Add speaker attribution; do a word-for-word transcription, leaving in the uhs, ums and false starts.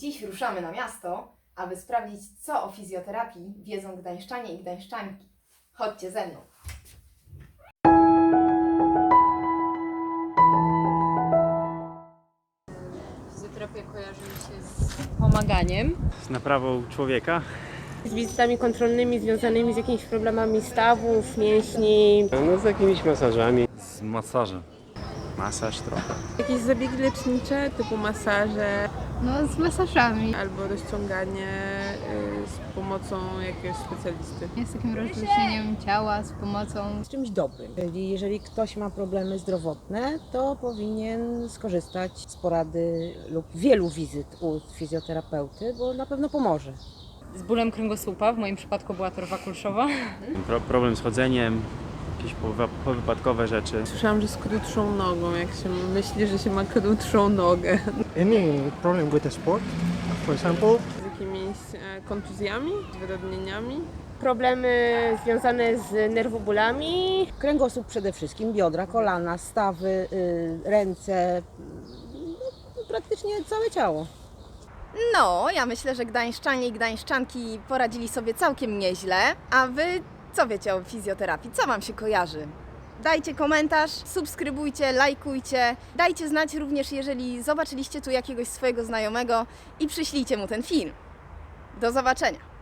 Speaker 1: Dziś ruszamy na miasto, aby sprawdzić, co o fizjoterapii wiedzą gdańszczanie i gdańszczanki. Chodźcie ze mną.
Speaker 2: Fizjoterapia kojarzy mi się z pomaganiem.
Speaker 3: Z naprawą człowieka.
Speaker 4: Z wizytami kontrolnymi związanymi z jakimiś problemami stawów, mięśni.
Speaker 5: No z jakimiś masażami.
Speaker 3: Z masażem. Masaż trochę.
Speaker 6: Jakieś zabiegi lecznicze typu masaże
Speaker 2: No z masażami.
Speaker 6: albo rozciąganie y, z pomocą jakiegoś specjalisty.
Speaker 2: Jest takim rozluźnieniem ciała z pomocą.
Speaker 7: z czymś dobrym. Czyli jeżeli ktoś ma problemy zdrowotne, to powinien skorzystać z porady lub wielu wizyt u fizjoterapeuty, bo na pewno pomoże.
Speaker 8: Z bólem kręgosłupa, w moim przypadku była torba kulszowa.
Speaker 3: Pro, problem z chodzeniem, jakieś powy- powypadkowe rzeczy.
Speaker 6: Słyszałam, że z krótszą nogą, jak się myśli, że się ma krótszą nogę.
Speaker 9: Any problem with the sport, for example,
Speaker 6: Z jakimiś e, kontuzjami, z wyrodnieniami.
Speaker 4: Problemy związane z nerwobólami.
Speaker 7: Kręgosłup przede wszystkim, biodra, kolana, stawy, y, ręce, no, praktycznie całe ciało.
Speaker 1: No, ja myślę, że gdańszczanie i gdańszczanki poradzili sobie całkiem nieźle. A wy co wiecie o fizjoterapii? Co wam się kojarzy? Dajcie komentarz, subskrybujcie, lajkujcie. Dajcie znać również, jeżeli zobaczyliście tu jakiegoś swojego znajomego i przyślijcie mu ten film. Do zobaczenia!